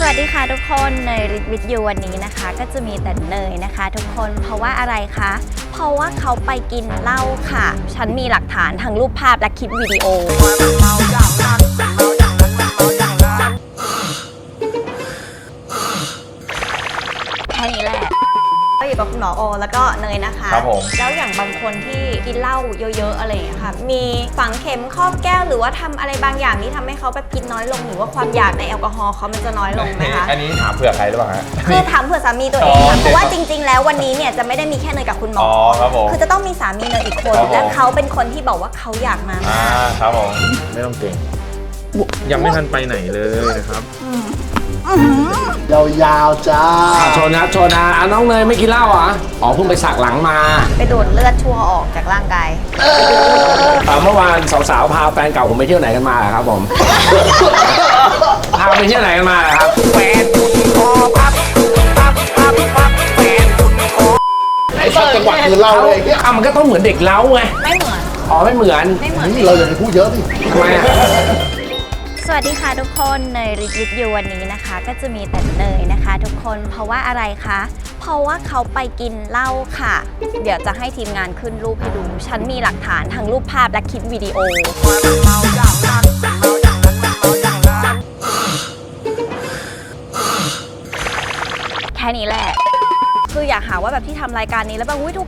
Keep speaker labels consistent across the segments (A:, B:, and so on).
A: วัสดีค่ะทุกคนเนยริทวิทยูวันนี้นะคะก็จะมีแต่เนยนะคะทุกคนเพราะว่าอะไรคะเพราะว่าเขาไปกินเหล้าค่ะฉันมีหลักฐานทั้งรูปภาพและคลิปวิดีโอแค่นี้แหละก็อยู่กับคุณหมอโอแล้วก็เนยนะคะ
B: ครับผม
A: แล้วอย่างบางคนที่กินเหล้าเยอะๆอะไรอย่างเงี้ยค่ะมีฝังเข็มครอบแก้วหรือว่าทำอะไรบางอย่างที่ทำให้เขาแบบกินน้อยลงหรือว่าความอยากในแอลกอฮอล์เขามันจะน้อยลงไหมคะ
B: อันนี้ถามเผื่อใครหรือเปล่าฮะ
A: คือถามเผื่อสามีตัวเองค่ะเพราะว่าจริงๆแล้ววันนี้เนี่ยจะไม่ได้มีแค่เนยกับคุณหมอ
B: ครับผม
A: คือจะต้องมีสามีเนยอีกคนและเขาเป็นคนที่บอกว่าเขาอยากมา
B: ครับผมไม่ต้องเก่งยังไม่ทันไปไหนเลยนะครับ
C: ยาวๆจ้า
D: โชว์นะน้องเนยไม่กินเหล้าเหรออ๋อเพิ่งไปสักหลังมา
A: ไปดูดเลือดชั่วออกจากร่างกาย
D: เมื่อวานสาวๆพาแฟนเก่าผมไปเที่ยวไหนกันมาครับผมพาไปเที่ยวไหนกันมาครับแฟนคอพับ
C: ไอ้สักจังหวะคือเล่าเลย
D: มันก็ต้องเหมือนเด็กเล้าไง
A: ไม่เหมือน
D: อ๋อไม่เหมือน
C: เราอย่าไปพูดเยอะสิ
D: ทำไม
A: สวัสดีค่ะทุกคนเนยริทวิทยูวันนี้นะคะก็จะมีแต่เนยนะคะทุกคนเพราะว่าอะไรคะเพราะว่าเขาไปกินเหล้าค่ะเดี๋ยวจะให้ทีมงานขึ้นรูปให้ดูฉันมีหลักฐานทั้งรูปภาพและคลิปวิดีโอแค่นี้แหละคืออยากหาว่าแบบที่ทำรายการนี้แล้วแบบทุ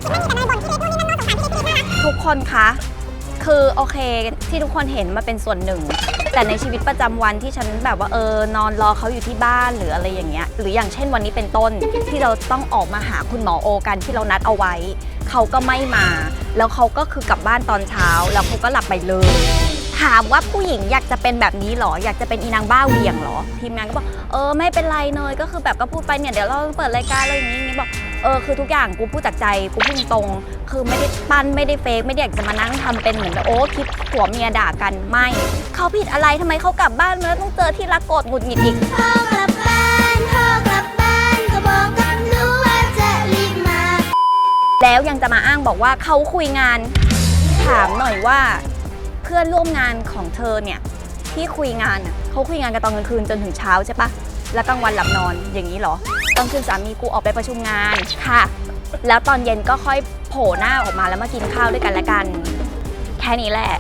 A: กคนคะคือโอเคที่ทุกคนเห็นมาเป็นส่วนหนึ่งแต่ในชีวิตประจำวันที่ฉันแบบว่านอนรอเขาอยู่ที่บ้านหรืออะไรอย่างเงี้ยหรืออย่างเช่นวันนี้เป็นต้นที่เราต้องออกมาหาคุณหมอโอกันที่เรานัดเอาไว้เขาก็ไม่มาแล้วเขาก็คือกลับบ้านตอนเช้าแล้วเขาก็หลับไปเลยถามว่าผู้หญิงอยากจะเป็นแบบนี้หรออยากจะเป็นอีนางบ้าเวียงหรอทีมงานก็บอกไม่เป็นไรเนยก็คือแบบก็พูดไปเนี่ยเดี๋ยวเราเปิดรายการอะไรอย่างงี้บอกคือทุกอย่างกูพูดจากใจกูพูดตรงคือไม่ได้ปั้นไม่ได้เฟกไม่ได้อยากจะมานั่งทำเป็นเหมือนแบบคลิปผัวเมียด่ากันไม่เขาผิดอะไรทำไมเขากลับบ้านมาแล้วต้องเจอที่รักโกรธหงุดหงิดอีกพ่อกลับบ้านก็บอกกันรู้ว่าจะรีบมาแล้วยังจะมาอ้างบอกว่าเขาคุยงานถามหน่อยว่าเพื่อนร่วมงานของเธอเนี่ยที่คุยงานเขาคุยงานกันตอนกลางคืนจนถึงเช้าใช่ปะแล้วกลางวันหลับนอนอย่างนี้เหรอกลางคืนสามีกูออกไปประชุมงานค่ะแล้วตอนเย็นก็ค่อยโผล่หน้าออกมาแล้วมากินข้าวด้วยกันและกันแค่นี้แหละ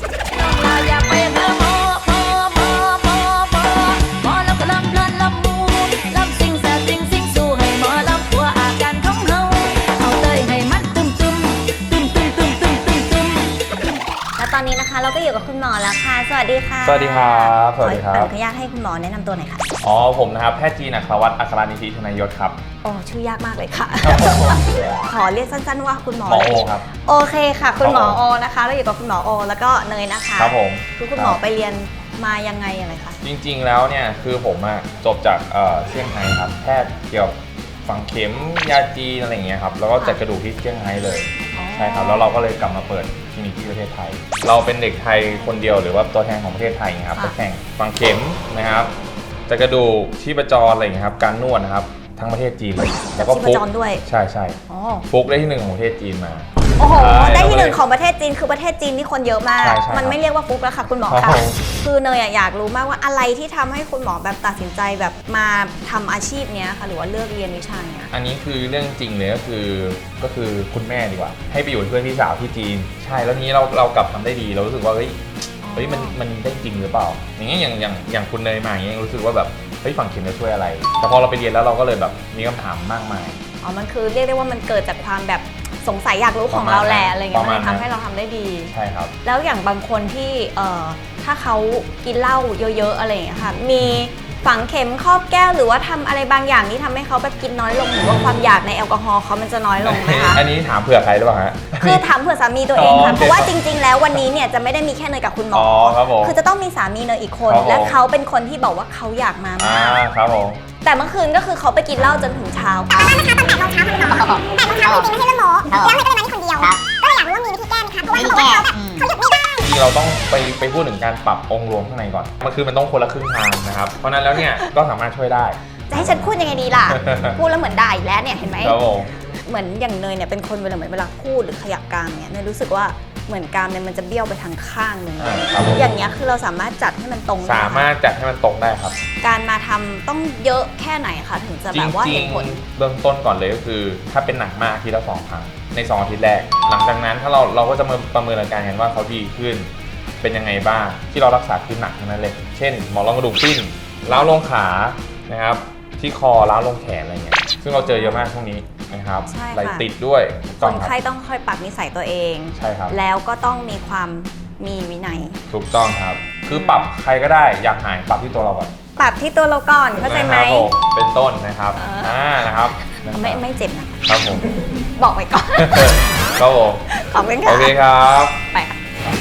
A: ตอนนี้นะคะเราก็อยู่กับคุณหมอแล้วค่ะสวัสดีค่ะ
B: สวัสดีครับสวัสดีครับ
A: ขออนุญาตให้คุณหมอแนะนำตัวหน่อยค่ะ
B: ผมนะครับแพทย์จีนอัครวัฒน์อัครนิธิธนยศครับ
A: ชื่อยากมากเลยค่ะขอเรียกสั้นๆว่าคุณหมอ
B: โอครับ
A: โอเคค่ะคุณหมอโอนะคะเราอยู่กับคุณหมอโอแล้วก็เนยนะคะ
B: ครับผม
A: คือคุณหมอไปเรียนมายังไงอะไรคะ
B: จริงๆแล้วเนี่ยคือผมจบจากเซี่ยงไฮ้ครับแพทย์เกี่ยวกับฝังเข็มยาจีนอะไรอย่างเงี้ยครับแล้วก็จัดกระดูกที่เซี่ยงไฮ้เลยใช่ครับแล้วเราก็เลยกลับมาเปิดคลินิกที่ประเทศไทยเราเป็นเด็กไทยคนเดียวหรือว่าตัวแทนของประเทศไทยครับไปแข่งฝังเข็มนะครับจัดกระดูกชีพจรอะไรอย่างเงี้ยครับการนวดนะครับทั้งประเทศจีนเลย
A: แล้วก็ฟุกด้วย
B: ใช่ฟุกได้ที่1ของประเทศจีนมา
A: โอ้โหได้ที่1ของประเทศจีนคือประเทศจีนนี่คนเยอะมากมันไม่เรียกว่าฟุกแล้วค่ะคุณหมอค่ะคือเนยอยากรู้มากว่าอะไรที่ทำให้คุณหมอแบบตัดสินใจแบบมาทำอาชีพนี้ค่ะหรือว่าเลือกเรียนวิชาเนี้ย
B: อันนี้คือเรื่องจริงเลยก็คือคุณแม่ดีกว่าให้ไปอยู่เป็นเพื่อนพี่สาวที่จีนใช่แล้วนี้เรากลับทำได้ดีเรารู้สึกว่าเฮ้ยมันได้จริงหรือเปล่าอย่างเงี้ยอย่างคุณเนยมาอย่างเงี้ยรู้สึกว่าแบบฝังเข็มจะช่วยอะไรแต่พอเราไปเรียนแล้วเราก็เลยแบบมีคำถามมากมาย
A: มันคือเรียกได้ว่ามันเกิดจากความแบบสงสัยอยากรู้ของเราแหละอะไรเงี้ยมันทำให้เราทำได้ดี
B: ใช่ครับ
A: แล้วอย่างบางคนที่ถ้าเขากินเหล้าเยอะๆอะไรอย่างเงี้ยค่ะมีฝังเข็มครอบแก้วหรือว่าทำอะไรบางอย่างที่ทำให้เขาแบบกินน้อยลงหรือว่าความอยากในแอลกอฮอล์เขามันจะน้อยลงไหมคะ
B: อันนี้ถามเผื่อใครหรือเปล่าฮะ
A: คือถามเผื่อสามีตัวเองค่ะเพราะว่าจริงๆแล้ววันนี้เนี่ยจะไม่ได้มีแค่เนยกับคุณหมอคือจะต้องมีสามีเนยอีกคนและเขาเป็นคนที่บอกว่าเขาอยากมามาก
B: ครับผม
A: แต่เมื่อคืนก็คือเขาไปกินเหล้าจนถึงเช้า
E: ตอนนั้นนะคะตอน8 โมงเช้าคือหมอ8 โมงเช้าจริงๆไม่ใช่เรื่องโม้แล้วเนยก็เลยมานี่คนเดียวก็เลยอยากรู้ว่ามีวิธีแก้ไหมคะเพราะว่าเขาบอกว่าเขาหยุดไม่ได้
B: เราต้องไปพูดถึงการปรับองค์รวมข้างในก่อนมันต้องคนละครึ่งทางนะครับเพราะนั้นแล้วเนี่ยก็สามารถช่วยได้
A: จะให้ฉันพูดยังไงดีล่ะ พูดแล้วเหมือนด่าอีกแล้วเนี่ยเห็นไหมเหมือนอย่างเนยเนี่ยเป็นคนเวลาพูดหรือขยับกรามเนี่ยเนยรู้สึกว่าเหมือนกรามเนี่ยมันจะเบี้ยวไปทางข้างหนึง
B: ครับผม
A: อย่างเงี้ยคือเราสามารถจัดให้มันตรงได้ไห
B: สามารถจัดให้มันตรงได้ครับ
A: การมาทำต้องเยอะแค่ไหนคะถึงจะ
B: จ
A: แบบว่า
B: ริ
A: เห็
B: ง
A: นผล
B: ๆเบื้องต้นก่อนเลยก็คือ ถ้าเป็นหนักมากอาทีละ2 ครั้งใน2 อาทิตย์แรก หลังจากนั้นถ้าเราก็จะมาประเมินอาการกันว่าเขาดีขึ้นเป็นยังไงบ้างที่เรารักษาคือหนักทั้งนั้นเลยเช่นหมอนรองกระดูกปิ้นล้าวลงขานะครับที่คอล้าวลงแขนอะไรเงี้ยซึ่งเราเจอเยอะมากช่วงนี้นะครับ
A: ใช่ค่ะ
B: ไหลติดด้วยถูก
A: ค
B: ต้อง
A: น
B: ครับ
A: ไข้ต้องค่อยปรับนิสัยตัวเอง
B: ใช่ครับ
A: แล้วก็ต้องมีความมีวินัย
B: ถูกต้องครับ คือปรับใครก็ได้อยากหายปรับที่ตัวเราก่อน
A: ปรับที่ตัวเราก่อนเข้าใจไหม
B: นะครับผมเป็นต้นนะครับ
A: เอ
B: นะครับ
A: ไม่เจ็บนะครับ
B: ผม
A: บอกไว้ก่อน
B: ครับผม
A: ขอบคุณ
B: โอ
A: ค่ะ
B: เคครับ
A: ไปค่ะ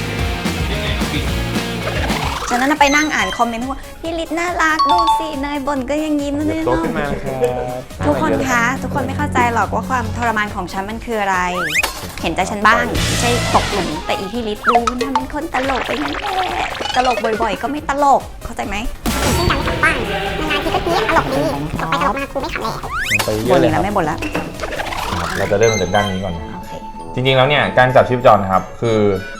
A: ฉะนั้นนะไปนั่งอ่านคอมเมนต์ว่าพี่ลิศน่ารักดูสิเนยบ่นก็ยังยิ้มนะเนี่ย
B: โต
A: เนาะ
B: ขึ้นมานะครับ
A: ทุกคนคะทุกคนไม่เข้าใจหรอกว่าความทรมานของฉันมันคืออะไร เห็นใจฉันบ้างไม่ใช่ตกหลุมแต่อีพี่ลิศดูมันทำเป็นคนตลกไปงั้นแหละตลกบ่อยๆ ก็ไม่ตลกเข้าใจไหม
E: เช่นกันไม่ทำบ้างนานๆทีก็นี้ตลกดีตลกไปตลกมาครูไม่ขำเลย
B: ไปเย
A: บ่
B: อะ
A: น
B: เล
A: อี
B: ย
A: ก
B: ครั
A: แล้
B: บ
A: วไม่บ่นแล้ว
B: เราจะเริ่มจากด้านนี้ก่อนนะ
A: โอเค
B: จริงๆแล้วเนี่ยการจับชีพจรนะครับคือ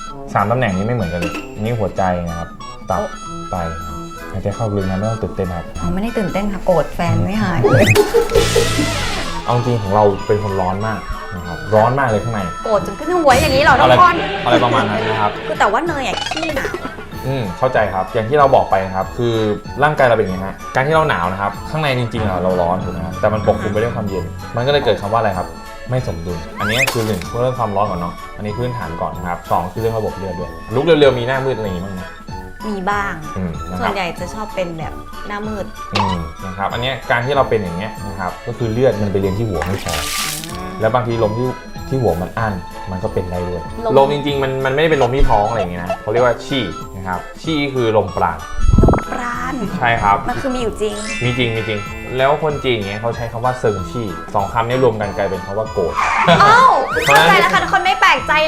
B: 3 ตำแหน่งนี้ไม่เหมือนกันเลยอันนี่หัวใจนะครับตับไตครับหายใจเข้าลึกนะไม่ต้องตื่นเต้นครับ
A: อ๋อไม่ได้ตื่นเต้นค่ะโกรธแฟนไม่หายเลย
B: เอาจริงของเราเป็นคนร้อนมากนะครับร้อนมากเลยข้างใน
A: โกรธจนขึ้นหัวอย่างนี้เหรอทุ
B: อะไร
A: กคน
B: อะไรประมาณนั้นนะครับ
A: คือแต่ว่าเนยอ่ะขี้หนาว
B: เข้าใจครับอย่างที่เราบอกไปนะครับคือร่างกายเราเป็นอย่างนี้ฮะการที่เราหนาวนะครับข้างในจริงๆเราร้อนถูกไหมครับแต่มันปกคลุมไปด้วยความเย็น มันก็เลยเกิดคำว่าอะไรครับไม่สมดุลอันนี้คือ1เรื่องความร้อนก่อนเนาะอันนี้พื้นฐานก่อนนะครับ2คือเรื่องระบบเลือดด้วยลุกเร็วๆมีหน้ามืดอะไรอย่างงี้บ้างไหม
A: มีบ้าง
B: นะค
A: ส่ว
B: รั
A: น
B: บ
A: ใหญ่จะชอบเป็นแบบหน้ามืด
B: นะครับอันเนี้ยการที่เราเป็นอย่างเงี้ยนะครับก็คือเลือดมันไปเลี้ยงที่หัวไม่พอแล้วบางทีลมที่หัวมันอั้นมันก็เป็นได้ด้วยลมจริงๆมันไม่ได้เป็นลมที่ท้องอะไรอย่างเงี้ยนะเขาเรียกว่าชี่นะครับชี่คือลมปราณ
A: ปราณ
B: ใช่ครับ
A: มันคือมีอยู่จริง
B: มีจริงแล้วคนจีนอย่างเงี้ยเขาใช้คำว่าเซิงชี่2 คำนี้รวมกันกลายเป็นคำว่าโกรธ
A: อ้าวเข้าใจแล้วค่ะทุกคนไม่แปลกใจเลย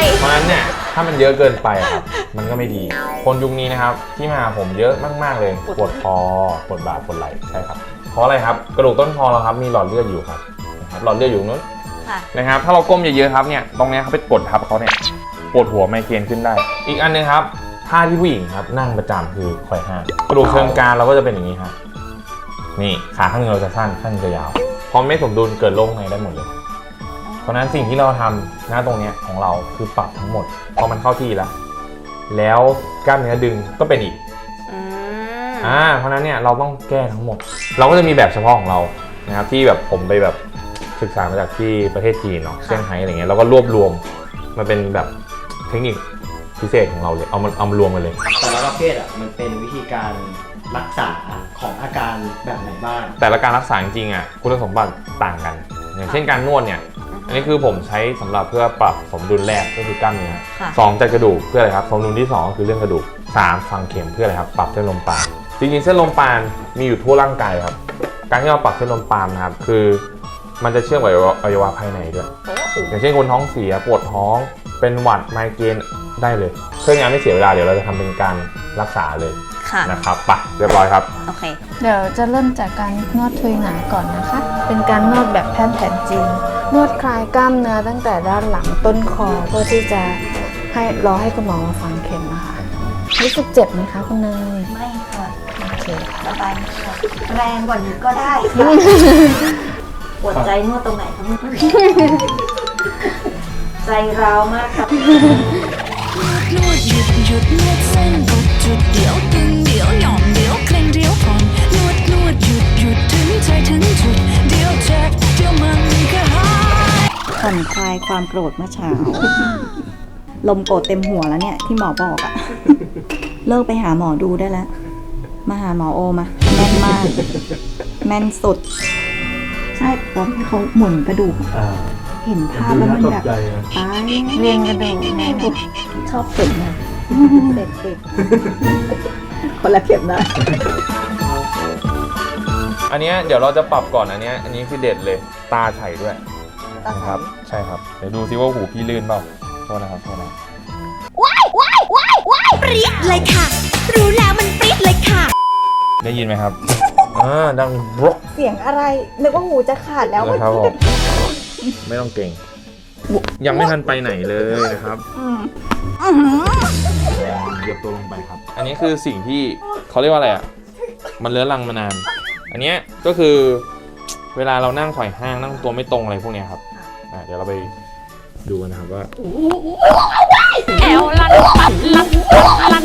B: เพราะฉะนั้นเนี่ยถ้ามันเยอะเกินไปอะครับมันก็ไม่ดี คนยุคนี้นะครับที่มาหาผมเยอะมากๆเลยปวดคอปวดบ่าปวดไหล่ใช่ครับเพราะอะไรครับกระดูกต้นคอเราครับมีหลอดเลือดอยู่ครับนะครับหลอดเลือดอยู่นู้น
A: ค่ะ
B: นะครับถ้าเราก้มเยอะๆครับเนี่ยตรงเนี้ยเขาไปกดทับเขาเนี่ยปวดหัวไมเกรนขึ้นได้ อีกอันหนึงครับท่าที่ผู้หญิงครับนั่งประจำคือไขว่ห้างกระดูกเชิงกรานเราก็จะเป็นอย่างนี้ครับนี่ขาข้างนึงเราจะสั้นข้างนึงจะยาวพอไม่สมดุลเกิดโรคในได้หมดเลย เพราะฉะนั้นสิ่งที่เราทำหน้าตรงเนี้ยของเราคือปรับทั้งหมดพอมันเข้าที่แล้วกล้ามเนื้อดึงก็เป็นอีก
A: อืม
B: เพราะฉะนั้นเนี่ยเราต้องแก้ทั้งหมด เราก็จะมีแบบเฉพาะของเรานะครับที่แบบผมไปแบบศึกษามาจากที่ประเทศจีนเนาะเซี่ยงไฮ้อะไรเงี้ยเราก็รวบรวมมาเป็นแบบเทคนิคพิเศษของเราเลยเอามารวมกันเลย
F: แต่ละประเภทอ่ะมันเป็นวิธีการรักษาของอาการแบบไหนบ้าง
B: แต่ละการรักษาจริงๆอ่ะคุณสมบัติต่างกัน อย่างเช่นการนวดเนี่ยอันนี้คือผมใช้สำหรับเพื่อปรับสมดุลแรกก็คือกล้ามเนื้อ
A: ค่ะ
B: 2จัดกระดูกเพื่ออะไรครับสมดุลที่2ก็คือเรื่องกระดูก3ฝังเข็มเพื่ออะไรครับปรับเส้นลมปราณจริงๆเส้นลมปราณมีอยู่ทั่วร่างกายครับการที่เราปรับเส้นลมปราณนะครับคือมันจะเชื่อมกับอวัยวะภายในด้วยอย่างเช่นคนท้องเสียปวดท้องเป็นหวัดไมเกรนได้เลยเพื่องานไม่เสียเวลาเดี๋ยวเราจะทำเป็นการรักษาเลย
A: ค่ะ
B: นะครับไปเรียบร้อยครับ
A: โอเค
G: เดี๋ยวจะเริ่มจากการนวดทุยหนาก่อนนะคะ เป็นการนวดแบบแพทย์แผนจีน นวดคลายกล้ามเนื้อตั้งแต่ด้านหลังต้นคอเพื่อที่จะรอให้คุณหมอมาฝังเข็มนะคะรู้สึกเจ็บไหมคะคุณเนย
A: ไม่ค่ะ
G: โอเค
A: สบายค่ะแรงกว่านี้ก็ได้ปวดใจนวดตรงไหนคะใจร้าวมากค่ะ
H: นวดหยุดนวดเส้นกดจุดเดี๋ยวตึงเดี๋ยวหย่อนเดี๋ยวเคร่งเดี๋ยวผ่อนนวดหยุดถึงใจถึงจุดเดี๋ยวเจ็บเดี๋ยวมันก็หาย
A: ผ่อนคลายความโกรธเมื่อเช้า ลมโกรธเต็มหัวแล้วเนี่ยที่หมอบอกอะเลิกไปหาหมอดูได้แล้ว มาหาหมอโอมาแม่นมาก แม่นสุด ใช่ตอนที่เขาหมุนกระดูก เห็นภาพแล้วมันแบบตายเรียงกระดูกแม่ชอบเข็มนะเด็กๆคนละเข็มนะ
B: อันเนี้ยเดี๋ยวเราจะปรับก่อนอันนี้คือเด็ดเลยตาไฉด้วยนะครับใช่ครับเดี๋ยวดูซิว่าหูพี่ลื่นเปล่าโทษนะครับโทษนะ
H: ปรี๊ดเลยค่ะ รู้แล้วมันปรี๊ดเลยค่ะ
B: ได้ยินไหมครับดังบรก
A: เสียงอะไรนึกว่าหูจะขาดแล้ว
B: นะครับผมไม่ต้องเก่งยังไม่ทันไปไหนเลยนะครับเหยียบตัวลงไปครับ อันนี้คือสิ่งที่เขาเรียกว่าอะไรอ่ะมันเลื้อรังมานาน อันเนี้ยก็คือเวลาเรานั่งไขว่ห้างนั่งตัวไม่ตรงอะไรพวกเนี้ยครับเดี๋ยวเราไปดูกันนะครับว่า
A: แอวลันปัดลันลัน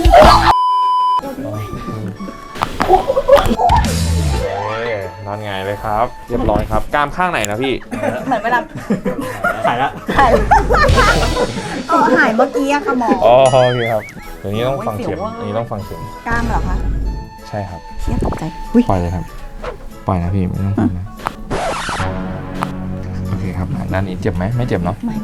B: นอนหงายเลยครับ เรียบร้อยครับกล้ามข้างไหนนะพี่
A: เหมือนเวลา
F: ถ่ายละ
A: ก็หายเมื่อกี้อะค่ะหมอ
B: อ๋อโอเคครับเดี๋ยวนี้ต้องฟังเข็ม
A: โอ้ยเสียวอะ
B: อันนี้ต้องฟังเข็ม
A: กล้ามเหรอคะ
B: ใช่ครับ
A: เชี่ยตกใจ
B: ปล่อยเลยครับปล่อยนะพี่ไม่ต้องฟังนะโอเคครับด้านนี้เจ็บไหมไม่เจ็บเนาะ
A: ไม่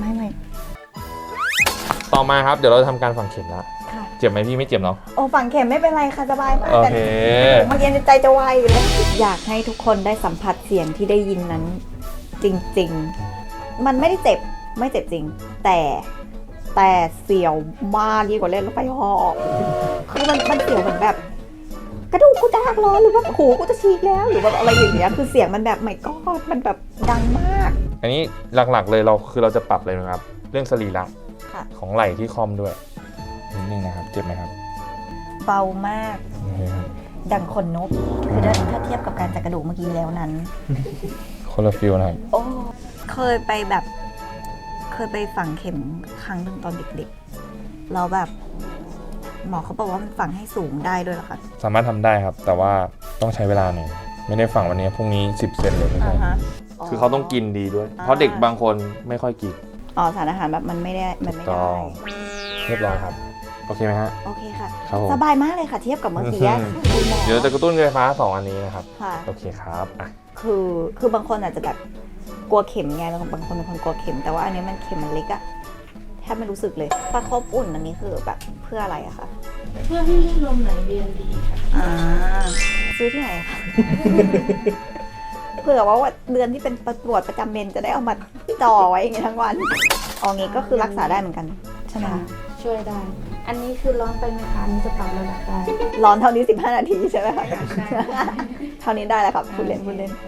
B: ต่อมาครับเดี๋ยวเราจะทำการฝังเข็มแล้ว
A: ค่ะ
B: เจ็บไหมพี่ไม่เจ็บเนาะ
A: โอ้ฝังเข็มไม่เป็นไรค่ะสบายมาก
B: โอ
A: แต่
B: เค
A: เมื่อกี้ใจจะวายอยู่แล้วอยากให้ทุกคนได้สัมผัสเสียงที่ได้ยินนั้น จริงๆ มันไม่ได้เจ็บไม่เจ็บจริง แต่เสียวมากยิ่งกว่าเล่นรถไฟเหาะคือมันเสียวเหมือนแบบ กระดูกกูจะหักล้อหรือว่าหูกูจะฉีกแล้วหรือว่าอะไรอย่างเงี้ยคือเสียงมันแบบไม่ก็มันแบบดังมาก
B: อันนี้หลักๆเลยเราจะปรับเลยนะครับ เรื่องสรีระ
A: ค่ะ
B: ของไหล่ที่คอมด้วยนิดนึงนะครับเจ็บไหมครับ
A: เบามาก
B: โอเคครับ
A: ดังขนนกคือถ้าเทียบกับการจัดกระดูกเมื่อกี้แล้วนั้น
B: คนละฟิลนะครับ
A: โอ้เคยไปฝังเข็มครั้งหนึ่งตอนเด็กๆแล้วแบบหมอเขาบอกว่ามันฝังให้สูงได้ด้วยเหรอคะ
B: สามารถทำได้ครับ แต่ว่าต้องใช้เวลาหน่อยไม่ได้ฝังวันนี้พรุ่งนี้10 เซนเลยไม่ใช่คือเขาต้องกินดีด้วย เพราะเด็กบางคนไม่ค่อยกิน
A: อ๋อสารอาหารแบบมันไม่ได้
B: ต้องเรียบร้อยครับโอเคไหมฮะ
A: โอเคค่ะ
B: ครับผม
A: สบายมากเลยค่ะเทียบกับเมื่อกี้อะคุณหมอ
B: เดี๋ยวจะกระตุ้นไฟฟ้า2อันนี้นะครับ
A: ค่ะ
B: โอเคครับอ่ะ
A: คือบางคนอาจจะแบบกลัวเข็มไงบางคนเป็นคนกลัวเข็มแต่ว่าอันนี้มันเข็มมันเล็กอะแทบไม่รู้สึกเลยประคบอุ่นอันนี้คือแบบเพื่ออะไรอะคะ
G: เพื่อให้เลือดลมไหลเวียนดีค่ะ
A: ซื้อที่ไหนอะคะ เผื่อว่าเดือนที่เป็นปวดประจำเมนจะได้เอามาจ่อไว้อย่างงี้ทั้งวันเอางี้ก็คือรักษาได้เหมือนกันใช่ไหมคะ
G: ช่วยได้ อันนี้คือร้อนไปไหมคะอันนี้จะปรับระดับได้
A: ร้อนเท่านี้15 นาทีใช่ไหมคะเท่านี้ได้แล้วครับพูดเล่น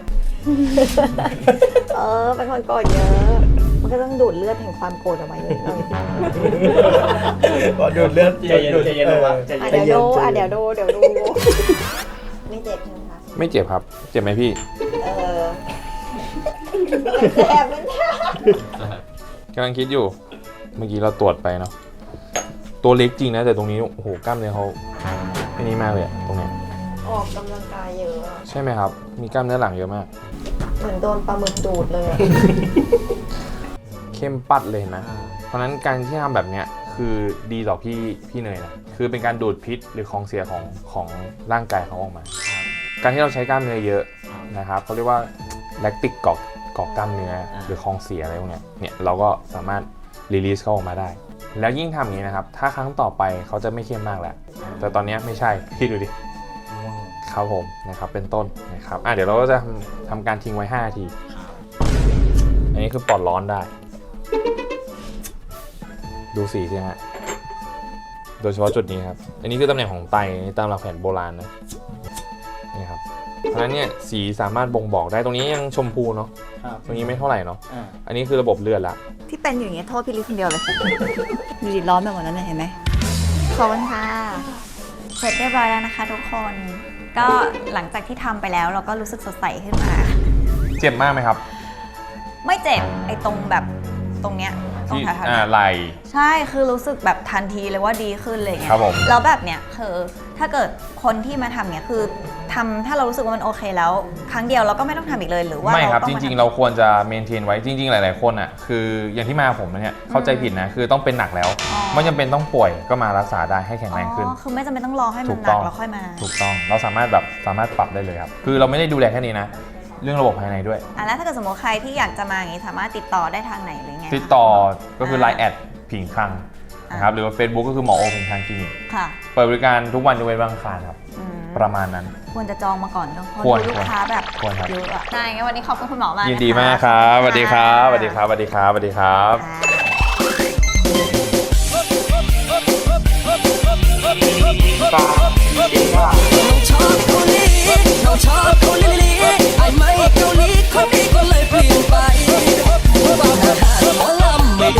A: เป็นคนโกรธเยอะ มันก็ต้องดูดเลือดแห่งความโกรธออกมาเยอะเลย
F: ก็ดูเลือดใจเย็นลงละใจเย็น
A: เดี๋ยวดูไม่เจ็บใช่ไหมคะ
B: ไม่เจ็บครับเจ็บไหมพี่
A: แสบมันแสบ
B: กำลังคิดอยู่เมื่อกี้เราตรวจไปเนาะตัวเล็กจริงนะแต่ตรงนี้โอ้โหกล้ามเนื้อเขาไอ้นี่มากเลยอะตรงเนี้ย
A: ออกกำลังกายเยอะอะ
B: ใช่ไหมครับมีกล้ามเนื้อหลังเยอะมาก
A: เหมือนโดนปลาหมึกดูดเลยอะ
B: เข้มปัดเลยเห็นไหมเพราะฉะนั้นการที่ทำแบบเนี้ยคือดีต่อพี่เนยนะคือเป็นการดูดพิษหรือของเสียของร่างกายเขาออกมา การที่เราใช้กล้ามเนื้อเยอะนะครับเขาเรียกว่าแลคติกเกาะกล้ามเนื้อหรือของเสียอะไรพวกเนี้ยเนี่ยเราก็สามารถรีลีสเขาออกมาได้ แล้วยิ่งทำอย่างนี้นะครับถ้าครั้งต่อไปเขาจะไม่เข้มมากแล้วแต่ตอนนี้ไม่ใช่พี่ดูดิครับผมนะครับเป็นต้นนะครับเดี๋ยวเราก็จะทำการทิ้งไว้5 นาทีอันนี้คือปลอดร้อนได้ดูสีสิฮะโดยเฉพาะจุดนี้ครับอันนี้คือตำแหน่งของไตตามหลักแผนโบราณนะนี่ครับเพราะฉะนั้นเนี่ยสีสามารถบ่งบอกได้ตรงนี้ยังชมพูเนาะ
F: ครับ
B: ตรงนี้ไม่เท่าไหร่เนาะอันนี้คือระบบเลือดละ
A: ที่เป็นอยู่อย่างเงี้ยโทษพี่ลิคนเดียวเลย ดูดิร้อนไปหมดแล้วเนี่ยเห็นไหมขอบคุณค่ะ เสร็จเรียบร้อยแล้วนะคะทุกคน ก็หลังจากที่ทำไปแล้วเราก็รู้สึกสดใสขึ้นมา
B: เจ็บมากไหมครับ
A: ไม่เจ็บไอ้ตรงแบบตรงเนี้ยตรง
B: ที่
A: แถวๆเนี้ย
B: ไหล่
A: ใช่คือรู้สึกแบบทันทีเลยว่าดีขึ้นเลยไง
B: ครับผม
A: แล้วแบบเนี้ยคือถ้าเกิดคนที่มาทำเนี้ยคือทำถ้าเรารู้สึกว่ามันโอเคแล้ว ครั้งเดียวเราก็ไม่ต้องทำอีกเลยหรือว่า
B: ไม่ครับ
A: ต้อ
B: จ
A: มา
B: ริง
A: ทำ
B: ๆ เราควรจะเมนเทนไว้จริง ๆ หลาย ๆ คนอ่ะคืออย่างที่มาผมเนี่ยเข้าใจผิดนะคือต้องเป็นหนักแล้ว ไม่จำเป็นต้องป่วยก็มารักษาได้ให้แข็งแรงขึ้น
A: อ๋อคือไม่จำเป็นต้องรอให้มั
B: ถู
A: น
B: ก
A: หนั
B: ต้
A: ก
B: อง
A: แล้วค่อยมา
B: ถูกต้องเราสามารถปรับได้เลยครับคือเราไม่ได้ดูแลแค่นี้นะเรื่องระบบภายในด้วย
A: แล้วถ้าเกิดสมมติใครที่อยากจะมาอย่างนี้สามารถติดต่อได้ทางไหนหรือไง
B: ติดต่อก็คือ Line แอดผิงคังนะครับหรือว่า Facebook ก็คือหมอโอผิงคังคลินิก
A: ค่ะ
B: เปิดบริการทุกวันยกเว้นวันอังคารครับ
A: อืม
B: ประมาณนั้น
A: ควรจะจองมาก่อนเนอะเพราะ
B: ควร
A: ดูลูกค้าแบบ
B: ควรครับ
A: เยอะอะใช่งั้นวันนี้ขอบคุณคุณหมอมาก
B: ยิน
A: นะคะ
B: ดีมากครับสวัสดีครับสวัสดีครับสวัสดีครับสวัสดีครับ
H: ชอบเกาหลีเราชอบเกาหลีไอ้ไม่เกาหลีคนนี้ก็เลยเปลี่ยนไปบางอาหารหมอลำไม่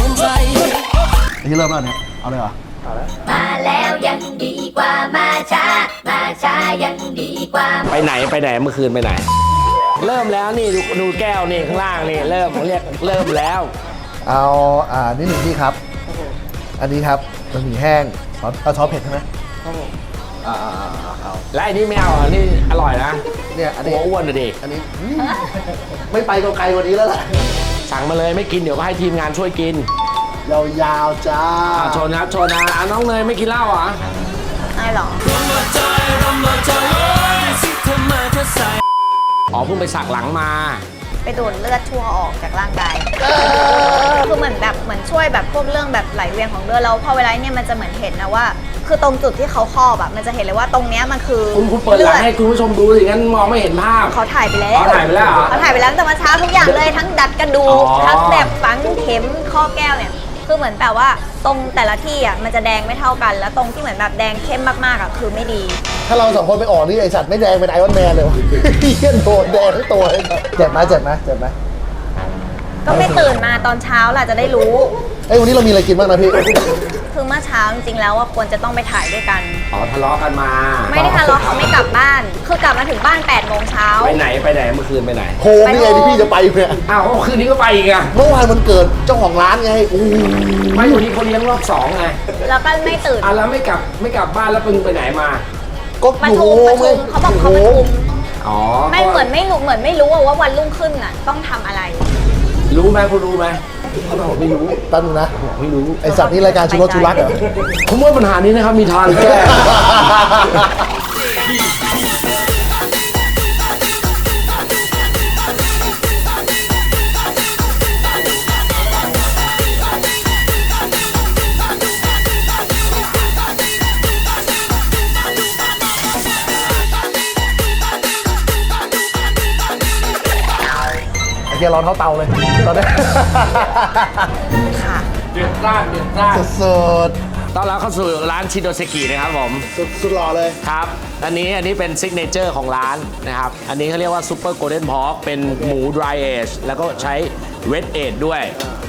C: ริ่มแล้วเนี่ย เอาเลยเหรอ
A: มาแล้วยังดีกว่ามาช้ายังดีกว่า
D: ไปไหนเมื่อคืนไปไหน เริ่มแล้วนี่ดูแก้วนี่ข้างล่างนี่เริ่มเรียกเริ่มแล้ว
C: เอานี่หนึ่งที่ครับ อันนี้ครับบะหมี่แห้งซอสเผ็ดใช่ไหมครับผมเอา
D: และอันนี้ไม่เอาอันนี้อร่อยนะ
C: เนี่ยอันนี้
D: หัวอ้วนเลยดิ
C: อันนี้ไม่ไปไกลกว่านี้แล้วล่ะ
D: สั่งมาเลยไม่กินเดี๋ยวก็ให้ทีมงานช่วยกิน
C: ยาวๆจ้า
D: ชนครับชนนะน้องเนยไม่กินเหล้าเหรอ
A: ไม่หรอ
D: อ๋อเพิ่งไปสักหลังมา
A: ไปดูดเลือดชั่วออกจากร่างกายคือเหมือนช่วยแบบพวกเรื่องแบบไหลเวียนของเลือดแล้วพอเวลาเนี่ยมันจะเหมือนเห็นนะว่า คือตรงจุดที่เขาครอบอะมันจะเห็นเลยว่าตรงเนี้ยมันคือ
D: คุณเปิดหลังให้คุณผู้ชมดูสิงั้นมองไม่เห็นภาพ
A: เขาถ่ายไปแล้ว
D: เขาถ่ายไปแล้วเหรอ
A: เขาถ่ายไปแล้วตั้งแต่เมื่อเช้าทุกอย่างเลยทั้งดัดกระดูก
D: อ๋อ
A: ทั้งแบบฝังเข็มข้อแก้วเนี่ยคือเหมือนแบบว่าตรงแต่ละที่อะมันจะแดงไม่เท่ากัน แล้วตรงที่เหมือนแบบแดงเข้มมากๆอะคือไม่ดี
C: ถ้าเราสองคนไปออกนี่ไอสัตว์ไม่แดงเป็นไอรอนแมนเลยวะเฮียโดนแดงทั้งตัวเลยเจ็บไหม
A: ก็ไม่ตื่นมาตอนเช้าล่ะจะได้รู้
C: เอ้ยวันนี้เรามีอะไรกินบ้างนะพี่
A: คือเมื่อเช้าจริงๆแล้วว่าควรจะต้องไปถ่ายด้วยกัน
D: อ๋อทะเลาะกันมา
A: ไม่ได้ทะเลาะเขาไม่กลับบ้าน คือกลับมาถึงบ้าน8 โมงเช้า
D: ไปไหนเมื่อคืนไปไหน
C: โฮมนี่ไงที่พี่จะไปเนี่ย
D: อ้าวคืนนี้ก็ไปอีกอะ
C: เมื่อวานมันเกิดเจ้าของร้านไงโอ้โห
D: ไม่อยู่นี่เขาเลี้ยงรอบสองไง
A: แล้วก็ไม่ตื่น
D: อ่ะแล้วไม่กลับบ้านแล้วปึงไปไหนมา
C: ก็
A: ประ
C: อยู่
A: ชุ
C: โฮ
A: ม
C: มไง
A: เขาบอกเขาประชุม
D: อ๋อ
A: ไม่เหมือนไม่รู้ว่าวันรุ่งขึ้นน่ะต้องทำอะไร
D: รู้ไหมคุณรู้ไหมเขาบอกไม่รู้
C: ตั้งนึงนะ
D: ไม่รู้
C: ไอสัตว์นี่รายการชูรสชูรักเหรอ
D: ผมว่าปัญหานี้นะครับมีทางแก้
C: ไอเกียร้อนเท่าเตาเลยตอนนี้
A: ค่ะ
D: เดือดร้อน
C: สุด
D: ต้อนรับเข้าสู่ร้านชิโดเซกินะครับผม
C: สุดหล่อเลย
D: ครับอันนี้เป็นซิกเนเจอร์ของร้านนะครับอันนี้เขาเรียกว่าซูเปอร์โกลเด้นพอกเป็นหมูดรายเอจแล้วก็ใช้เวทเอจด้วย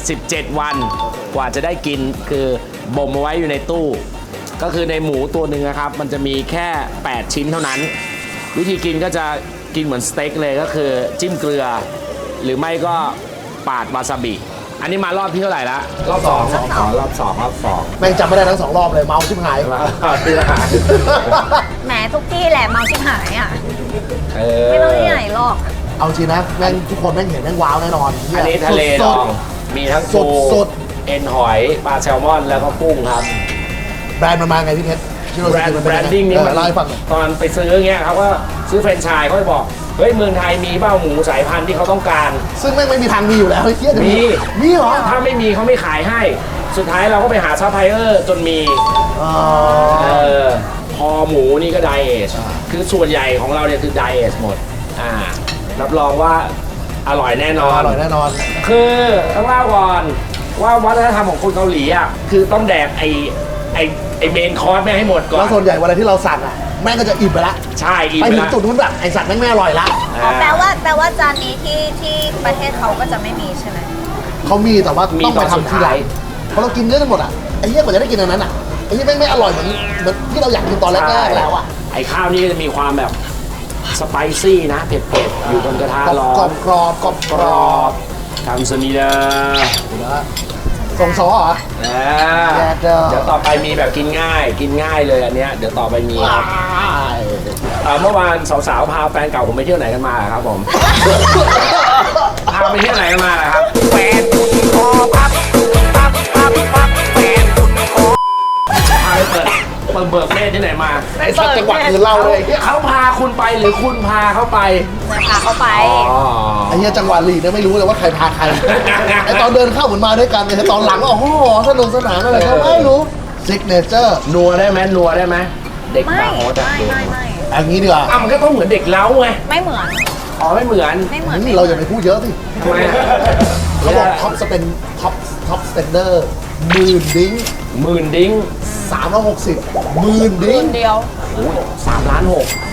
D: 17 วันกว่าจะได้กินคือบ่มเอาไว้อยู่ในตู้ ก็คือในหมูตัวหนึ่งนะครับมันจะมีแค่ 8 ชิ้นเท่านั้น วิธีกินก็จะกินเหมือนสเต็กเลยก็คือจิ้มเกลือ หรือไม่ก็ปาดวาซาบิ อันนี้มารอบที่เท่าไหร่ละรอบสองรอบสอง
C: แม่งจำไม่ได้ทั้ง2 รอบเลยเมาชิบหาย
D: ที่ละ
A: แหมทุกที่แหละเมาชิบหายอ่ะ
D: เอ
A: ไม่ต้องที่ไหนหรอก
C: เอาจริงนะแม่งทุกคนแม่งเห็นแม่งว้าวแน่นอนเหี้ย
D: อันนี้ทะเลด
C: สุ
D: อ
C: ด
D: งมีทั้ง
C: สุ
D: ปู
C: ดสุด
D: เอ็นหอยปลาแซลมอนแล้วก็กุ้งครับ
C: แบรนด์มันมาไงพี่เพชรที่เรา
D: แบรน
C: จะกินมัน
D: ด์แบ
C: เป็
D: ร
C: น
D: น
C: ยังไง
D: ดิ้งนี่มัน
C: เล่าให้ฟังหน่อย
D: ตอนไปซื้อเงี้ยเขาก็ซื้อแฟรนไชส์เขาจะบอกเฮ้ยเมืองไทยมีเบ้าหมูสายพันธุ์ที่เขาต้องการ
C: ซึ่งแม่งไม่มีทางมีอยู่แล้วไอ้เหี้ยจะ
D: มี
C: มีเหรอ
D: ถ้าไม่มีเขาไม่ขายให้ สุดท้ายเราก็ไปหาซัพพลายเออร์จนมี
C: อ๋อ
D: คอหมูนี่ก็ไดเอทคือส่วนใหญ่ของเราเนี่ยคือไดเอทหมดรับรองว่าอร่อยแน่นอน
C: อร่อยแน่นอน
D: คือต้องเล่าก่อนว่าวัฒนธรรมของคนเกาหลีอ่ะคือต้องแดกไอเมนคอร์สแม่งให้หมดก่อ
C: แล้
D: น
C: วส่วนใหญ่เวลาที่เราสั่งอ่ะแม่งก็จะอิ่มไปละ
D: ใช่อีก
C: ไปถึง
D: แล้ว
C: จุดนู้นแบบไอสัตว์แม่งไม่อร่อยละ
A: อ๋อแปลว่าจานนี้ที่ประเทศเขาก็จะไม่มีใช่ไหม
C: เขามีแต่ว่าต้องไปทำทีหลังเพราะเรากินเยอะกันหมดอ่ะไอ้เหี้ยกว่าจะได้กินอันนั้นอ่ะไอ้เหี้ยแม่งไม่อร่อยเหมือนที่เราอยากกินตอนแรกๆแล้วอ่ะ
D: ไอข้าวนี่จะมีความแบบสไปซี่นะเผ็ดๆอยู่บนกระทะร้อก
C: รอน บกรอบกรอบ
D: ก
C: ก
D: ร
C: รอ
D: อ
C: บบ
D: ทำสนีเดอร์
C: ส่งซอเหรอ แย่เด้อ
D: เดี๋ยวต่อไปมีแบบกินง่ายเลยอันเนี้ยเดี๋ยวต่อไปมีครับเมื่อวานสาวๆพาแฟนเก่าผมไปเที่ยวไหนกันมาครับผม พาไปเที่ยวไหนกันมาครับแฟนคุณคอพับแฟนคุณคอพาไปเบิกเนตรที่ไหนมา
C: ไอ้สัตว์จังหวัดอื่นเล่าเลย
D: เขาพาคุณไปหรือคุณพาเขาไป
A: พาเขาไป
D: อ๋อ
C: ไอ้เหี้ยจังหวัดหลีเนี่ยไม่รู้เลยว่าใครพาใคร ไอ้ตอนเดินเข้าเหมือนมาด้วยกันแต่ตอนหลังโอ้โหสนุกสนานอะไรก็ไม่รู้ซิกเนเจอร์
D: นัวได้ไหมเด็ก
A: ไม่
D: บาร์โฮสอะ
A: ไม่
C: อันนี้ดีกว่า
D: อ่ะมันก็ต้องเหมือนเด็กเล้าไง
A: ไม่เหมือน
D: อ๋อไม่เหมือน
A: ไม่เหมือน
C: นี่เราอย่าไปพูดเยอะสิ
D: ทำไมอะ
C: เขาบอกท็อปสเปนท็อปสเปนเดอร์10,000 ดิ้ง
D: 10,000 ดิ้ง
C: 360 10,000 ดิ้ง
A: เดียว
D: 3.6 ล้าน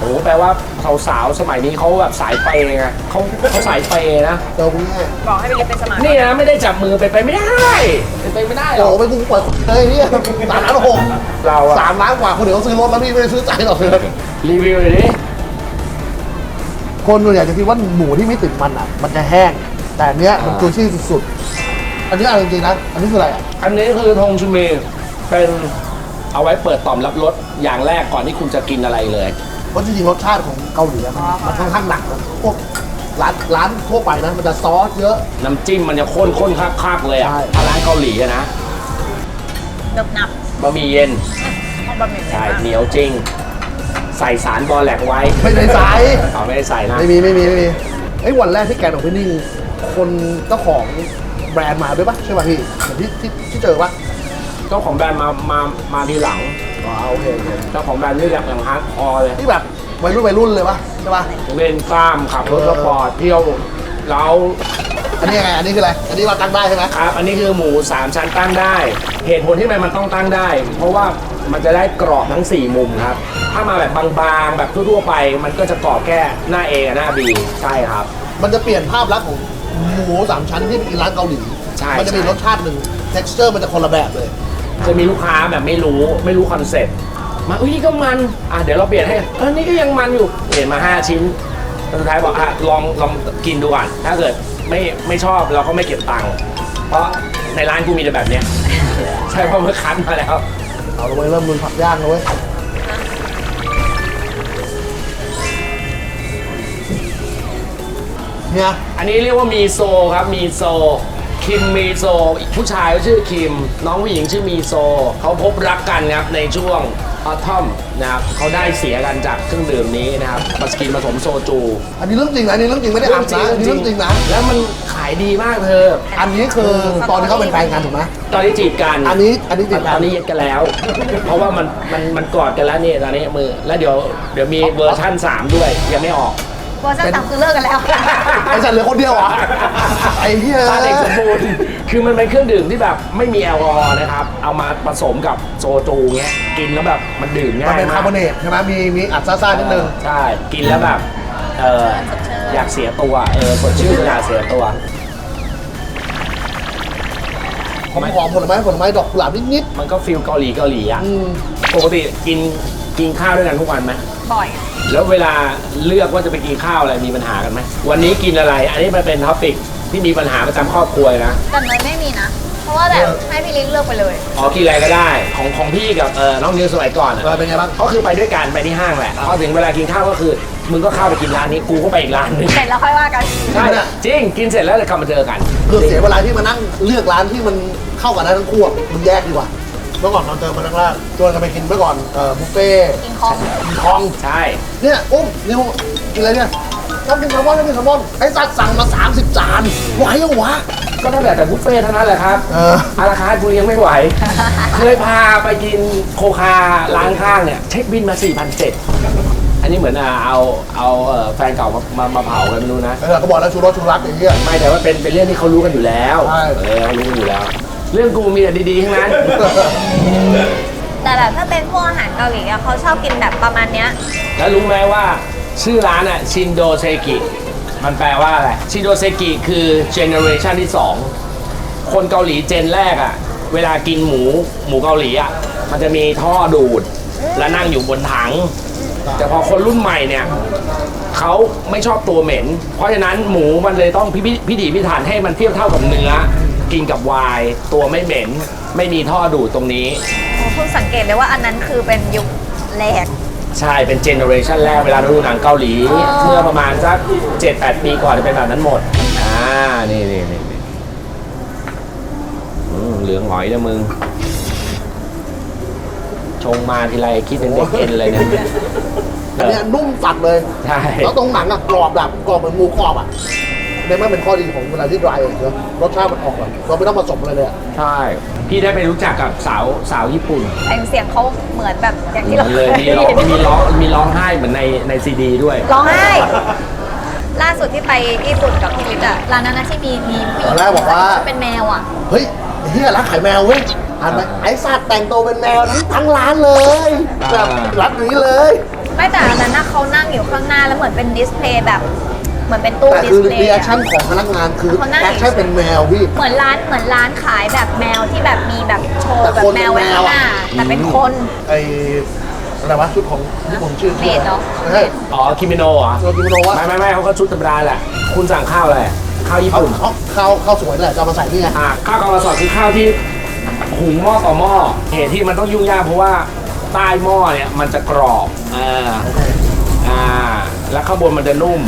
D: โอ้แปลว่าสาวๆสมัยนี้เขาแบบสายเปย์ไงเขาสายเปย์นะ
C: เจอคุณแม่
A: บอกให้ไปเรียนเป็นสมาชิก
D: นี่นะไม่ได้จับมือไปไม่ได้ไปไม่ได้หร
C: โอ้
D: อก
C: โหไปกูเปิดเลยเนี่ย3,600,000
D: เราอะ
C: 3 ล้านกว่าคนเดี๋ยวเขาซื้อรถแล้วพี่ไม่ได้ซื้อใจหรอกเลย
D: รีวิวเลยดิ
C: คนส่วนใหญ่จะคิดว่าหมูที่ไม่ติดมันอ่ะ มันจะแห้ง แต่อันเนี้ยมันจุยซี่สุดๆอันนี้เอาจริงๆนะอันนี้คืออะไรอ่ะ
D: อันนี้คือทงชูเมเป็นเอาไว้เปิดต่อมรับรสอย่างแรกก่อนที่คุณจะกินอะไรเลย
C: เพราะจริงๆรสชาติของเกาหลีอะมันค่อนข้างหนักนะพวกร้านทั่วไปนะมันจะซอสเยอะ
D: น้ำจิ้มมันจะข้นๆคักๆเลยอ่ะ
C: ใช่
D: ถ้าร้านเกาหลีอะนะ
A: เนิบหนับบ
D: ะหมี่เย็น
A: เอาบะหมี่
D: ใช่เหนียวจริง ใส่สารบอแลกไว้
C: ไม่ได้ใส่
D: เอาไม่ได้ใส่นะ
C: ไม่มีไอ้วันแรกที่แกนออกพี่นิ่งคนเจ้าของแบรนด์มาด้วยปะใช่ป่ะพี่เหมือนที่เจอปะ
D: เจ้าของแบรนด์มาทีหลัง
C: อ๋อโอเค
D: เจ้าของแบรนด์นี่แบบอย่างฮาร์ดคอร์เลย
C: ที่แบบวัยรุ่นเลยปะใช่ปะ
D: เล่นกล้ามขับรถสปอร์ตเที่ยวเรา
C: อันนี้ยังไงอันนี้คืออะไรอันนี้เราตั้งได้ใช่ไหม
D: ครับ อันนี้คือหมู 3 ชั้นตั้งได้ เหตุผลที่มันต้องตั้งได้ เพราะว่ามันจะได้กรอบทั้ง 4 มุมครับ ถ้ามาแบบบางๆ แบบทั่วๆไป มันก็จะกรอบแค่หน้า A กับหน้า B ใช่ครับ
C: มันจะเปลี่ยนภาพลักษณ์ของหมู3 ชั้นที่ไปกินร้านเกาหลี
D: ใช่
C: มันจะมี
D: ใช่
C: รสชาติหนึ่ง texture มันจะคนละแบบเลย
D: จะมีลูกค้าแบบไม่รู้คอนเซ็ปต์มาอุ้ยนี่ก็มันเดี๋ยวเราเปลี่ยนให้นี่ก็ยังมันอยู่เปลี่ยนมา 5 ชิ้นสุดท้ายบอกลองกินดูก่อนถ้าเกิดไม่ชอบเราก็ไม่เก็บตังค์เพราะในร้านกูมีแต่แบบเนี้ย ใช่เพราะมันคั้นมาแล้ว
C: เอาเลยเริ่มลุยผักย่างแล้วเว้ยเนี่ย
D: อันนี้เรียกว่ามีโซครับมีโซคิมมีโซผู้ชายก็ชื่อคิมน้องผู้หญิงชื่อมีโซเขาพบรักกันครับในช่วงออทอมนะครับเขาได้เสียกันจากเครื่องดื่มนี้นะครับมาสกินผสมโซจู
C: อันนี้เรื่องจริงนะอันนี้เรื่องจริงไม่ได้อัพนะอันนี้เรื่องจริงนะ
D: แล้วมันขายดีมากเธอ
C: อันนี้คือตอนที่เขาเป็นแฟนกันถูกไหม
D: ตอนนี้จีบกัน
C: อันนี้จริง
D: ตอนนี้เย็ดกันแล้ว เพราะว่ามันกอดกันแล้วนี่ตอนนี้มือแล้วเดี๋ยวมีเวอร์ชั่น 3 ด้วยยังไม่ออก
A: เวอร์ชันต่ำคือเลิกกันแล้ว
C: ไอ้สัตว์เหลือคนเดียวเหรอไอ้เหี้ย
D: ตาเด็กสมบูรณ์คือมันเป็นเครื่องดื่มที่แบบไม่มีแอลกอฮอล์นะครับ เอามาผสมกับโซจูเงี้ยกินแล้วแบบมันดื่ม
C: มัน
D: ง่าย
C: เป็น
D: มา
C: คาก ร์บอเนตใช่ไหมมีอัดซ่าๆนิดนึง
D: ใช่กินแล้วแบบอยากเสียตัวสดชื่นอยากเสียตัว
C: หอมผลไม้ดอกกุหลาบนิด
D: มันก็ฟิลเกาหลีอ่ะ
C: ๆอืม
D: ปกติกินข้าวด้วยกันทุกวันไหม
A: บ่อย
D: แล้วเวลาเลือกว่าจะไปกินข้าวอะไรมีปัญหากันไหมวันนี้กินอะไร อันนี้มันเป็นท็อปิกที่มีปัญหาประจำครอบครัวเลยนะ
A: แต่เนยไม่มีนะ เพราะว่าแบบให้พี่ลิงเลือกไปเลย
D: อ๋อกินอะไรก็ได้ของพี่กับน้องนิวสมัยก่อนอะ
C: เป็นไงบ้าง
D: ก็คือไปด้วยกันไปที่ห้างแหละพอถึงเวลากินข้าวก็คือมึงก็เข้าไปกินร้านนี้กูก็ไปอีกร้านหนึง
A: เสร็จแล้วค่อยว่ากัน
D: ใช่จริงกินเสร็จแล้วจะกลับมาเจอกัน
C: คือเสียเวลาที่มานั่งเลือกร้านที่มันเข้ากันได้ทั้งคู่อะมันแยกดีกว่าเมื่อก่อนเราเจอมาทั้งร้านชวนกันไปกินเมื่อก่อนบุฟเฟ่ต์
A: กินคอง
C: กินทอง
D: ใช่
C: เนี่ยนิวกินอะไรเนี่ยต้องกินแซลมอนไอ้สัตว์สั่งมา30 จานไหวยังวะ
D: ก็ตั้งแต่บุฟเฟ่ต์เท่านั้นแหละครับ อาราคาร์ทกูยังไม่ไหว เคยพาไปกินโคคาร้านข้างเนี่ยเช็คบินมา 4,700 อันนี้เหมือนเอาแฟนเก่ามาเผากันไม่รู้นะ
C: ก็บอกแล้วชูรสชูรักอย่างเงี้ย
D: ไม่แต่ว่าเป็นเรื่องที่เขารู้กันอยู่แล้ว
C: ใช่
D: เขารู้กันอยู่แล้ว เรื่องกูมีแต่ดีๆทั้งนั้น
A: แต่แบบถ้าเป็นพวกอาหารเกาหลีอะเขาชอบกินแบบประมาณเนี้ย
D: แล้วรู้ไหมว่าชื่อร้านอ่ะชินโดเซกิมันแปลว่าอะไรชินโดเซกิคือเจเนอเรชันที่ 2 คนเกาหลีเจนแรกอ่ะเวลากินหมูเกาหลีอ่ะมันจะมีท่อดูดและนั่งอยู่บนถัง แต่พอคนรุ่นใหม่เนี่ยเขาไม่ชอบตัวเหม็น เพราะฉะนั้นหมูมันเลยต้องพิถีพิถันให้มันเทียบเท่ากับเนื้อ กินกับไวน์ตัวไม่เหม็น ไม่มีท่อดูดตรงนี้
A: เพิ่งสังเกตเลยว่าอันนั้นคือเป็นยุคแรก
D: ใช่เป็นเจเนอเรชันแรกเวลาดูหนังเกาหลี เมื่อประมาณสัก 7-8 ปีก่อนจะเป็นแบบนั้นหมดนี่เหลืองหงอยนะมึง ชงมาทีไรคิดถึงเด็กเอ็นเลยเนี่ย
C: อันเนี้ยนุ่มสัดเลย
D: ใช่
C: แล้วตรงหนังอะกรอบแบบกรอบเหมือนหมูกรอบอะในมันเป็นข้อดีของเวลาที่ดรายเนอะรสชาติมันออกแบบเราไม่ต้องผสมอะไรเลยอะ
D: ใช่ พี่ได้ไปรู้จักกับสาวญี่ปุ่น
A: เสียงเขาเหมือนแบบอย่างที่เรา
D: เลยมีร้องไห้เหมือนในซีดีด้วย
A: ร้องไห้ ล่าสุดที่ไปญี่ปุ่นกับพี่ลิศอะร้านนั้นนะที่มีผู้หญิง
C: ตอนแรกบอกว่า
A: เป็นแมวอะ
C: เฮ้ยเฮียร้านขายแมวเว้ยอ่านไหมไอ้สัตว์แต่งตัวเป็นแมวทั้งร้านเลยแบบรัดนี้เลย
A: ไม่แต่อันนั้นนะเขานั่งอยู่ข้างหน้าแล้วเหมือนเป็นดิสเพลย์แบบเหมือนเป็นตู้
C: แต่
A: ดิ
C: คื
A: ส
C: อ
A: เพล
C: รี
A: ย์
C: แอคชั่นของพนักงานคือ
A: เขานั่ง
C: แอคชั่นเป็นแมวพี่
A: เหมือนร้านขายแบบแมวที่แบบมีแบบโชว์แบบแมวไว้ข้างหน้าแต่เป็นคน
C: ไออะไรวะชุดของญี่ปุ่นชื่อ
A: เมดเหรอ
C: ใช่
D: อ๋อคิมิโนะเหรอ
C: เรากินโนวะ
D: ไม่เขาก็ชุดธรรมดาแหละ คุณสั่งข้าวอะไรข้าวญี่ปุ่น
C: ข้าวสวยแหละจะเอามาใส่นี่ไง
D: ข้าวกองกระสอบคือข้าวที่หุงหม้อต่อหม้อเหตุที่มันต้องยุ่งยากเพราะว่าใต้หม้อเนี่ยมันจะกรอบแล้วข้างบนมันจะนุ่ม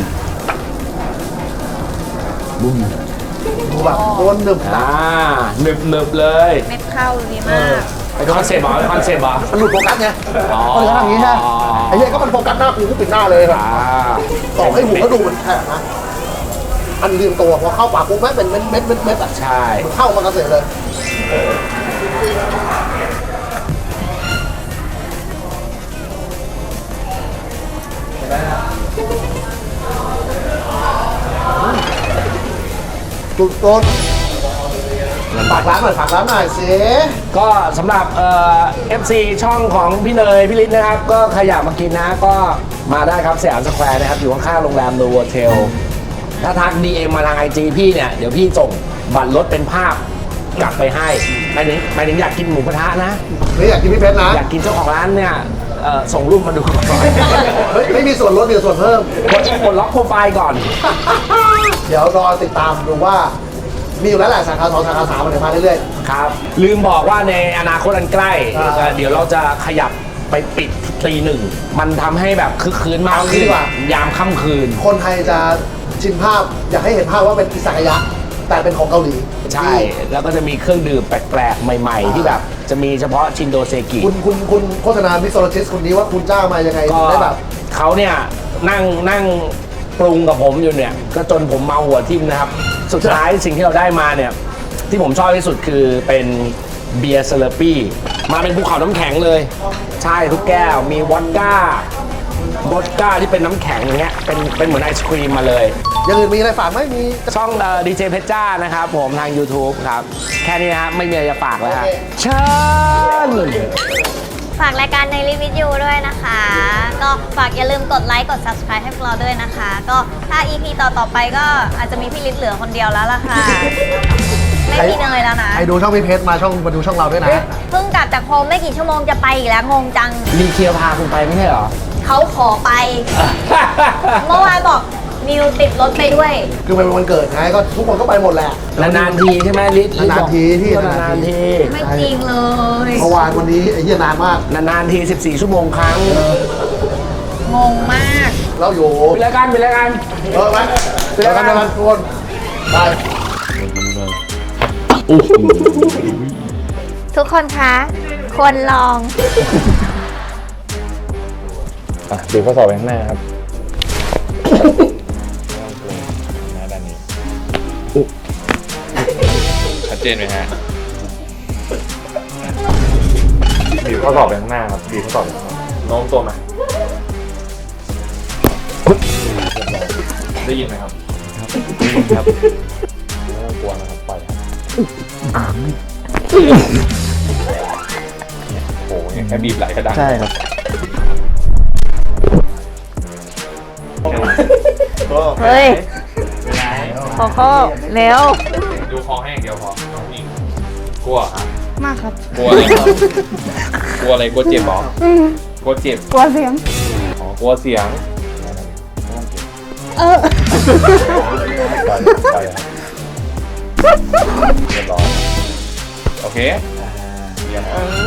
C: ดูแบบโคนหนึบหนับ
D: หนึบเลย
A: เม็ดข้าวดีมาก
D: เป็นคอนเซ็ปต์เหรอเป็นคอนเซ็ปต์เหรอ
C: มันหลุดโฟกัสไง
D: อ๋อ
C: ก็เลยทำอย่างนี้ฮะไอ้เหี้ยก็มันโฟกัสหน้ากูก็ปิดหน้าเลยแบบต่อให้หูก็ดูมันแฉะนะอันเรียงตัวพอเข้าปากปุ๊บแม่งเป็นเม็ดอ่ะ
D: ใช่
C: มันเข้ามันกระเสร็จเลยสุดต้นฝากร้านหน่อยสิ
D: ก็สำหรับFC ช่องของพี่เนยพี่ฤทธิ์นะครับ ก็ใครอยากมากินนะก็มาได้ครับสยามสแควร์นะครับ อยู่ข้างๆโรงแรมโนโวเทลถ้าทัก DM มาทาง IG พี่เนี่ย เดี๋ยวพี่ส่งบัตรรถเป็นภาพกลับไปให้หมายถึงอยากกินหมูกระทะนะ
C: ไม่อยากกินพี่เพชรนะ
D: อยากกินเจ้าของร้านเนี่ยส่งรูปมาดูก่อน
C: ไม่มีส่วนลดมีส่วนเพิ่ม
D: กดล็อกโปรไฟล์ก่อน
C: เดี๋ยวรอติดตามดูว่า มีอยู่แล้วแหละสาขา2สาขา3มันเดี๋ยวมาเรื่อย
D: ครับ ลืมบอกว่าในอนาคตอันใกล้ เดี๋ยวเราจะขยับไปปิดตีหนึ่งมันทำให้แบบคึกคืนมากขึ้นยามค่ำคืน
C: ๆ คนไทยจะชินภาพอยากให้เห็นภาพว่าเป็นอิซากายะ แต่เป็นของเกาหลี
D: ใช่ แล้วก็จะมีเครื่องดื่มแปลกๆ ใหม่ๆ ที่แบบจะมีเฉพาะชินโดเซกิ
C: คุณโฆษณามิโซโลจิสคนนี้ว่าคุณจ้างมายังไง
D: ก็
C: ถึงได้แบบ
D: เขาเนี่ยนั่งปรุงกับผมอยู่เนี่ย ก็จนผมเมาหัวทิ่มนะครับ สุดท้ายสิ่งที่เราได้มาเนี่ย ที่ผมชอบที่สุดคือเป็นเบียร์เซเลปี้มาเป็นภูเขาน้ำแข็งเลย ใช่ทุกแก้วมีวอดก้าที่เป็นน้ำแข็งอย่างเงี้ยเป็นเหมือนไอศครีมมาเลย
C: อย่างอื่นมีอะไรฝากไหมมี
D: ช่องดีเจเพชรจ้านะครับผมทาง YouTube ครับ แค่นี้นะครับไม่มีอะไรจะฝากแล้วครับเชิญ
A: ฝากรายการในรีวิวด้วยนะคะ ก็ฝากอย่าลืมกดไลค์กด subscribe ให้พวกเราด้วยนะคะ ก็ถ้า EP ต่อไปก็อาจจะมีพี่ฤทธิ์เหลือคนเดียวแล้วล่ะค่ะ ไม่มีเนยแล้วนะ
C: ใครดูช่องพี่เพชรมาดูช่องเราด้วยนะ
A: เพิ่งกลับจากโฮมไม่กี่ชั่วโมงจะไปอีกแล้วงงจัง
D: มีเคียร์พาคุณไปไม่ใช่เหรอ
A: เขาขอไป เมื่อวานบอกนิวติดรถไปด้วย
C: คือมันเป็นวันเกิดไงก็ทุกคนก็ไปหมดแหละ
D: นานๆทีใช่ไหมลิศ
C: นานๆทีที่
D: นานๆที
A: ไม่จริงเลย
C: เมื่อวานวันนี้ไอ้เหี้ยนานมาก
D: นานๆที14 ชั่วโมงครั้ง
A: งงมาก
C: เราอยู่
D: ไปแล้วกัน
C: ไปกันทุกคนไป
A: ทุกคนคะควรลอง
B: ดูข้อสอบไปข้างหน้าครับหน้าด้านนี้ชัดเจนไหมฮะบีบข้อสอบไปข้างหน้าครับบีบข้อสอบไปข้างหน้าโน้มตัวมาได้ยินไหมครับได้ยินครับไม่ต้องกลัวนะครับปล่อยครับโอ้โหเนี่ยแค่บีบไหลก็ดัง
F: ใช่ครับ
A: เฮ้ยโคโค่เร็ว
B: ดูคอให้อย่างเดียวพอน้องผู้หญิงกลัว
G: มากครับ
B: กลัวอะไรครับกลัวอะไรกลัวเจ็บเหรอกลัวเจ็บ
G: กลัวเสียง
B: อ๋อกลัวเสียงไปครับเรียบร้อยโอเคเยี่ยม